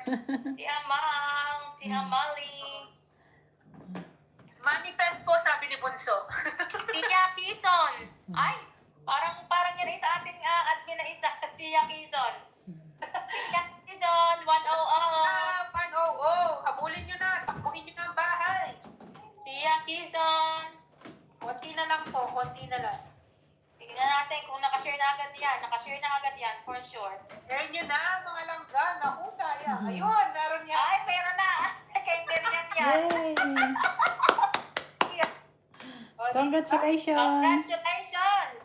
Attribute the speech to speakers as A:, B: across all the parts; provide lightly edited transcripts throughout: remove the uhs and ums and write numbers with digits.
A: Si Amang, si Amali.
B: Manifest po, sabi ni Bunso.
A: Si Yakison. Ay, parang yan ay sa ating admin na isa. Si Yakison. Si Yakison, 100.
B: 100. Habulin nyo na. Takbuhin nyo na ang bahay.
A: Si Yakison.
B: Konti na lang po. Konti na lang.
A: Tingnan natin kung nakashare na agad yan. Nakashare na agad yan, for sure.
B: Share nyo na, mga langga. Naku, kaya. Ayun, meron yan.
A: Ay, meron na. Kay Miriam yan.
C: Yay! Congratulations!
A: Congratulations!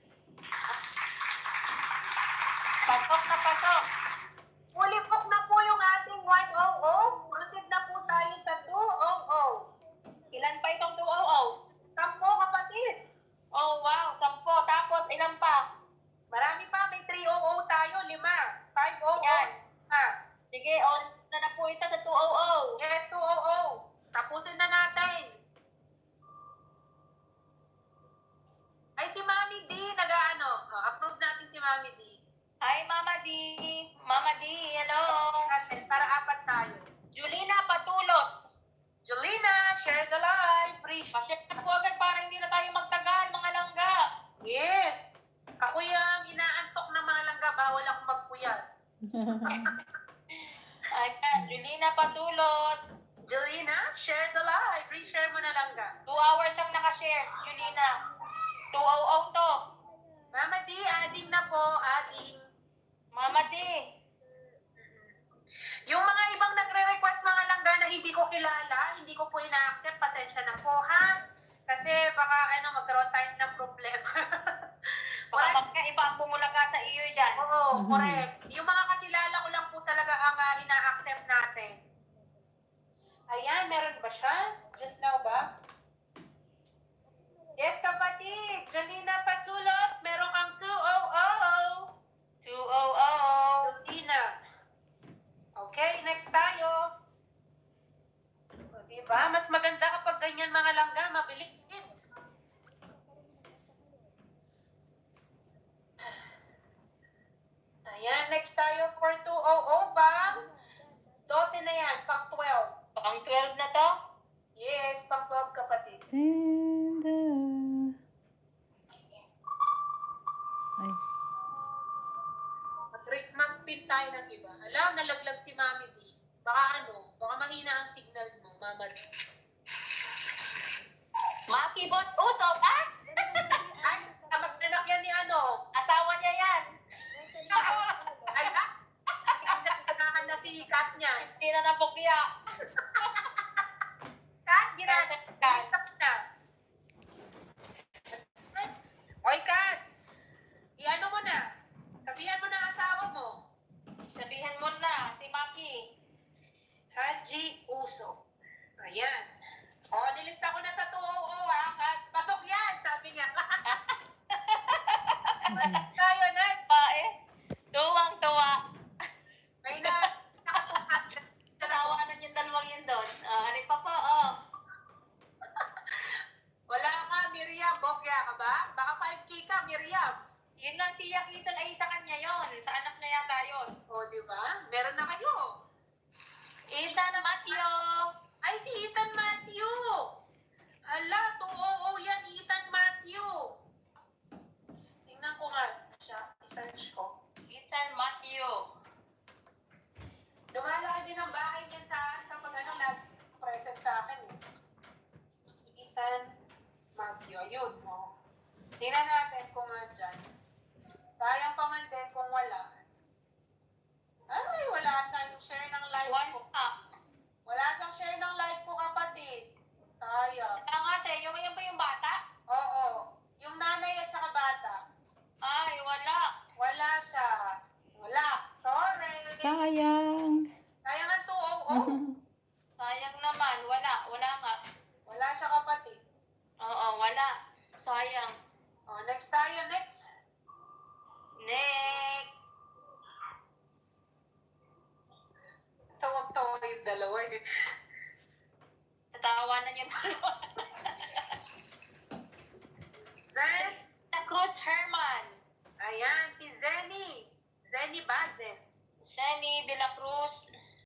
A: Pasok na pasok.
B: Fully booked na po yung ating 100. Proceed na po tayo sa 200.
A: Ilan pa itong 200?
B: 10 kapatid.
A: Oh, wow. 10. Tapos, ilan pa?
B: Marami pa. May 300 tayo. 5. 500.
A: Yan.
B: Ha?
A: Sige, on na po ito sa 200.
B: Yes, 200. Tapusin na natin. Ay, si Mami D, approve natin si Mami D.
A: Hi, Mama D. Mama D, hello.
B: Para 4 tayo.
A: Julina Patulot.
B: Julina, share the live.
A: Pa-share na po agad para hindi na tayo magtagal, mga langga.
B: Yes. Ako yung inaantok na mga langga, bawal akong magpuyat.
A: Ayan, Julina Patulot.
B: Julina, share the live. Reshare mo na langga.
A: 2 hours siyang nakashare, Julina. 200 to.
B: Mama D, adding na po, adding.
A: Mama D.
B: Yung mga ibang nagre-request mga langga na hindi ko kilala, hindi ko po ina-accept, pasensya na po ha. Kasi baka magkaroon tayo ng problema.
A: Baka magkaiba ang bumulaga sa iyo dyan.
B: Oo, correct. Yung mga kakilala ko lang po talaga ang ina-accept natin. Ayan, meron ba siya? Just now ba? Yes, kapatid. Jolina Patsulot, meron kang 200.
A: 200.
B: Jolina. Okay, next tayo. O, diba? Mas maganda kapag ganyan mga langga, mabilis. Ayan, next tayo for 200 bang? 12 na yan, pang 12.
A: Pang 12 na to?
B: Yes, pang 12 kapatid.
C: Ay.
B: Mag-treatment pin tayo ng iba. Alam, nalaglag si Mami D. Baka mahina ang signal mo, Mama D.
A: Maki Boss Usop, ha?
B: Ay, kamag-anak yan ni
A: Asawa niya yan.
B: Ay, nagkakahan na si Kat niya.
A: Hindi na nabukya.
B: Kat, ginagawa na. Oy, Kat! I-ano mo na. Sabihan mo na ang asawa mo.
A: Sabihan mo na, si Maki.
B: Haji Uso. Ayan. O, nilista ko na sa 200 ha, Kat. Pasok yan, sabi niya. Tayo, next.
A: Tuwang-tuwa.
B: May nakatukat.
A: Tawanan yung dalawang yun doon. Ano pa po,
B: Wala ka, Miriam. Bokya ka ba? Baka 5K ka, Miriam.
A: Yun lang si Yakison ay sa kanya yon. Sa anak niya yata yun.
B: O, di ba? Meron na kayo.
A: Ethan Matthew.
B: Ay, si Ethan Matthew. Ala, 200 yan, Ethan Matthew. Tingnan ko nga siya. I-search ko.
A: Ethan Matthew.
B: Lumalaki din ang bahay niyan sa pag nag-present sa akin. Ethan Matthew. Ayun, no? Tingnan natin kung dyan. Sayang pa man din kung wala. Ay, wala siya yung share ng live ko. Wala siyang share ng live ko, kapatid. Sayang.
A: Kaya nga, yung yan ba yung bata?
B: Oo. Yung nanay at saka bata.
A: Ay, wala.
B: Wala siya. Wala. Sorry.
C: Sayang.
B: Sayang ang 200.
A: Sayang naman. Wala. Wala nga.
B: Wala siya, kapatid.
A: Oo, wala. Sayang.
B: O, next tayo. Next.
A: Next.
B: Tawag-tawag yung dalawa eh.
A: Tatawanan yung dalawa.
B: Next.
A: Cruz Herman.
B: Ayan, si Zenny. Zenny Bazen.
A: Jenny De La Cruz.